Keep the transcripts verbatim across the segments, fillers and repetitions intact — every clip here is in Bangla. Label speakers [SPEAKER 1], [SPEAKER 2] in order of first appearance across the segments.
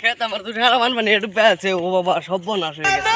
[SPEAKER 1] খেত আমার তো সারা মান মানে একটু পেয়েছে ও বাবা সব নাশ হয়ে গেছে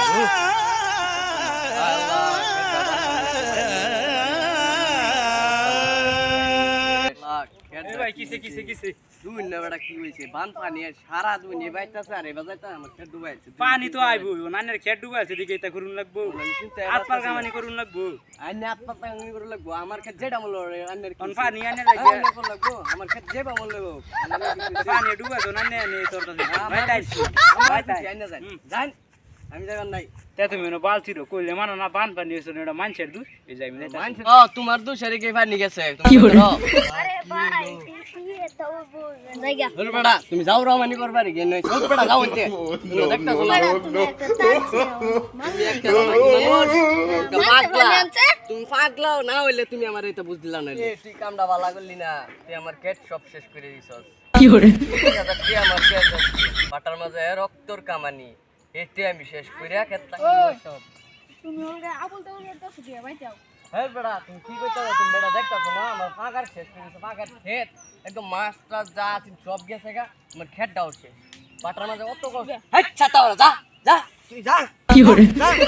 [SPEAKER 2] ভাই কিসে কিসে কিসে
[SPEAKER 1] দুই না বেটা কি হইছে বান পানি সারা দুই নে বাইতাছে আর এবার যাইতা আমার খেত ডুবাইছে
[SPEAKER 2] পানি তো আইবো নানের খেত ডুবাইছে দিকে এটা করুন লাগবো আত্মার কামানি করুন লাগবো
[SPEAKER 1] আইনে আত্মা কামানি করুন লাগবো আমার খেত যেটা মূল্য আন্নের
[SPEAKER 2] কোন পানি আনে
[SPEAKER 1] লাগে
[SPEAKER 2] লাগে
[SPEAKER 1] কোন লাগবো আমার খেত যেবা মূল্য
[SPEAKER 2] পানি ডুবাইছো নানে নে তোর তো ভাই তাই
[SPEAKER 1] ভাই তাই আইনা যান যান আমি যাবেন নাই
[SPEAKER 2] তে তুমি নো বালতি রো কইলে মানো না বান পানি এসে এটা মানছের দূর এই যাই মিলে
[SPEAKER 1] মানছে ও তোমার দুশারে কে পানি গেছে তুমি করো
[SPEAKER 3] আরে ভাই ये तो वो জায়গা
[SPEAKER 1] বল বেটা তুমি যাও রমানি করবা রে কেন চল বেটা যাও হইতে তুমি দেখতা শোনা তুমি একটা পাগলা তুমি পাগলাও না হইলে তুমি আমার এটা বুঝদিলা না এ তুই কামটা ভালো করলি না তুই আমার কেট সব শেষ করে দিছস
[SPEAKER 4] কি করে
[SPEAKER 1] তুই আমার কেট বাটার মাঝে রক্তর কামানি এতে আমি শেষ কইরা কেটটা সব
[SPEAKER 3] তুমি ওরে আবল তো ওরে তো দিয়ে ভাই যাও
[SPEAKER 1] হ্যাঁ বেটা তুমি কি কইতাছ তুমি বেটা দেখতাছ না আমার পাগার শেষ করে দিছ পাগার ক্ষেত একদম মাছটা যা আছে সব গেছে গা আমার ক্ষেতটাও শেষ বাটার মাঝে অত কষ্ট হেই ছাতা ওরা যা যা তুই যা
[SPEAKER 4] কি করে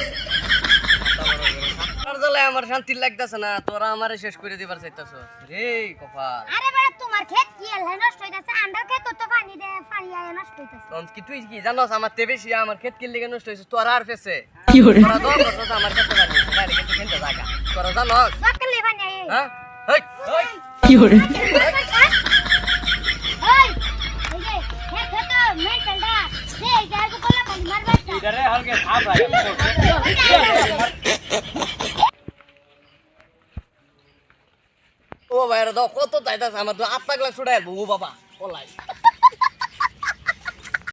[SPEAKER 1] আর দলে আমার শান্তি লাগতাছে না তোরা আমারে শেষ করে দিবার চাইতাছস রে কপাল
[SPEAKER 3] আরে বড় তোমার ক্ষেত কি হল নষ্ট হইতাছে আন্ডার ক্ষেত তো পানি দে পানি আয় নষ্ট হইতাছে
[SPEAKER 1] তখন কি তুই কি জানোস আমার তে বেশি আমার ক্ষেত কি লিগে নষ্ট হইছে তোরা আর ফেসে
[SPEAKER 4] কি করে
[SPEAKER 1] তোরা দল করছস আমার ক্ষেতে লাগি তাইলে কিন্তু খেতে জায়গা তোরা জানোস
[SPEAKER 3] বাকলে পানি আয়
[SPEAKER 1] হ্যাঁ হেই হেই
[SPEAKER 4] কি করে
[SPEAKER 3] ওই এই যে ক্ষেত তো মেন্টালটা সে জায়গা কোলা পানি মারবা
[SPEAKER 2] ইদারে হলকে খা ভাই
[SPEAKER 1] ও ভাইরা দাও কত চাইতাছ আমার তো আট পাগলা ছুড়াই ও বাবা ওলাই